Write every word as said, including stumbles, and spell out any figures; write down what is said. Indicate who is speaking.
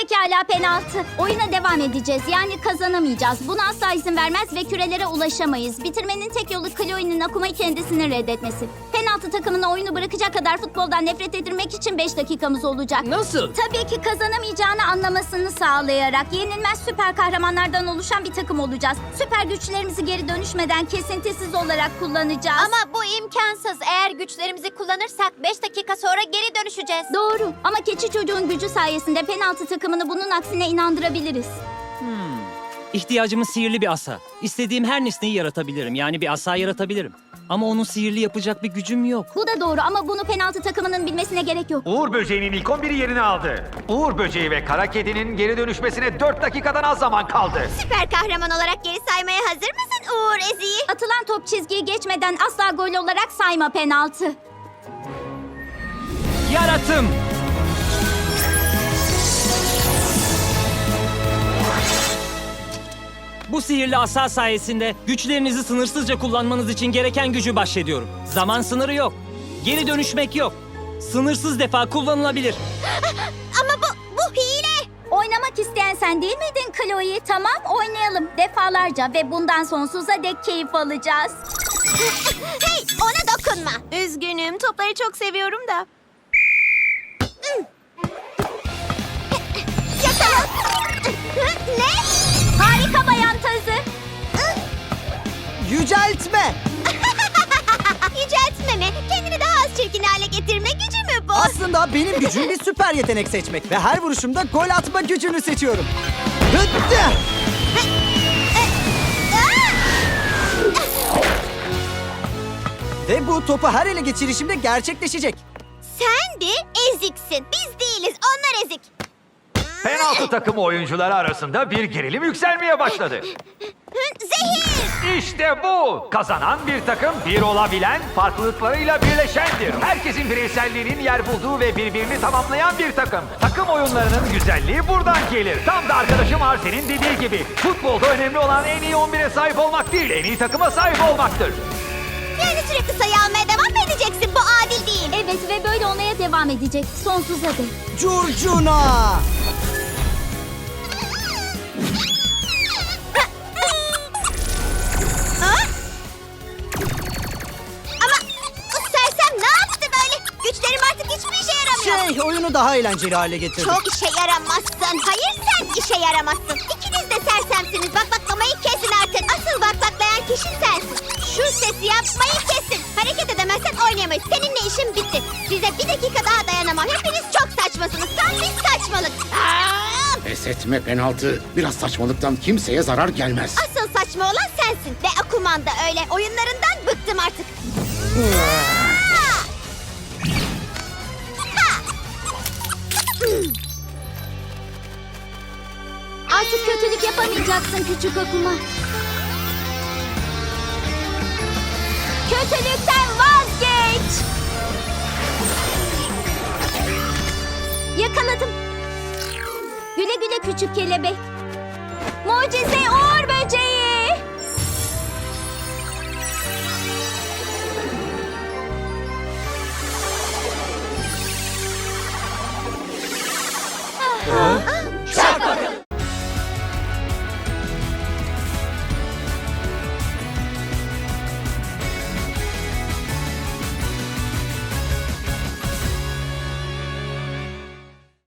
Speaker 1: Pekala penaltı. Oyuna devam edeceğiz. Yani kazanamayacağız. Buna asla izin vermez ve kürelere ulaşamayız. Bitirmenin tek yolu Chloe'nin Akuma'yı kendisini reddetmesi. Penaltı takımına oyunu bırakacak kadar futboldan nefret edilmek için beş dakikamız olacak.
Speaker 2: Nasıl?
Speaker 1: Tabii ki kazanamayacağını anlamasını sağlayarak yenilmez süper kahramanlardan oluşan bir takım olacağız. Süper güçlerimizi geri dönüşmeden kesintisiz olarak kullanacağız.
Speaker 3: Ama bu imkansız. Eğer güçlerimizi kullanırsak beş dakika sonra geri dönüşeceğiz.
Speaker 1: Doğru ama keçi çocuğun gücü sayesinde penaltı takımını bunun aksine inandırabiliriz.
Speaker 2: İhtiyacımız sihirli bir asa. İstediğim her nesneyi yaratabilirim. Yani bir asa yaratabilirim. Ama onun sihirli yapacak bir gücüm yok.
Speaker 1: Bu da doğru ama bunu penaltı takımının bilmesine gerek yok.
Speaker 4: Uğur Böceği'nin ilk on biri yerini aldı. Uğur Böceği ve Kara Kedi'nin geri dönüşmesine dört dakikadan az zaman kaldı.
Speaker 3: Süper kahraman olarak geri saymaya hazır mısın Uğur Ezi'yi?
Speaker 1: Atılan top çizgiyi geçmeden asla gol olarak sayma penaltı.
Speaker 2: Yaratım! Bu sihirli asa sayesinde güçlerinizi sınırsızca kullanmanız için gereken gücü bahşediyorum. Zaman sınırı yok. Geri dönüşmek yok. Sınırsız defa kullanılabilir.
Speaker 3: Ama bu, bu hile.
Speaker 1: Oynamak isteyen sen değil miydin Chloe? Tamam oynayalım defalarca ve bundan sonsuza dek keyif alacağız.
Speaker 3: Hey, ona dokunma. Üzgünüm, topları çok seviyorum da. Yakala. Ne?
Speaker 1: Harika bayan tazı.
Speaker 5: Yüceltme!
Speaker 3: Yüceltme mi? Kendini daha az çirkin hale getirme gücü mü bu?
Speaker 5: Aslında benim gücüm bir süper yetenek seçmek ve her vuruşumda gol atma gücünü seçiyorum. Hıttı! Ve bu topu her ele geçirişimde gerçekleşecek.
Speaker 3: Sen de eziksin. Biz değiliz, onlar ezik.
Speaker 4: Penaltı takımı oyuncuları arasında bir gerilim yükselmeye başladı.
Speaker 3: Zehir!
Speaker 4: İşte bu! Kazanan bir takım bir olabilen, farklılıklarıyla birleşendir. Herkesin bireyselliğinin yer bulduğu ve birbirini tamamlayan bir takım. Takım oyunlarının güzelliği buradan gelir. Tam da arkadaşım Arsen'in dediği gibi. Futbolda önemli olan en iyi on bire sahip olmak değil, en iyi takıma sahip olmaktır.
Speaker 3: Yani sürekli sayı almaya devam mı edeceksin? Bu adil değil.
Speaker 1: Evet ve böyle olmaya devam edecek sonsuza dek.
Speaker 5: Curcuna!
Speaker 3: Ama bu sersem ne yaptı böyle? Güçlerim artık hiçbir işe yaramıyor.
Speaker 5: Şey, oyunu daha eğlenceli hale getirdim.
Speaker 3: Çok işe yaramazsın. Hayır sen işe yaramazsın. İkiniz de sersemsiniz. Bak baklamayı kesin artık. Asıl baklaklayan kişi sensin. Şu sesi yapmayı kesin. Hareket edemezsen oynayamayız. Seninle işim bitti. Size bir dakika daha dayanamam. Hepiniz çok saçmasınız. Tam bir saçmalık. Aa!
Speaker 6: Pes etme penaltı. Biraz saçmalıktan kimseye zarar gelmez.
Speaker 3: Asıl saçma olan sensin. Ve Akuman da öyle. Oyunlarından bıktım artık.
Speaker 1: Artık kötülük yapamayacaksın küçük Akuma. Kötülükten vazgeç. Yakaladım. Güle güle küçük kelebek. Mucize Uğur Böceği.
Speaker 3: Aa!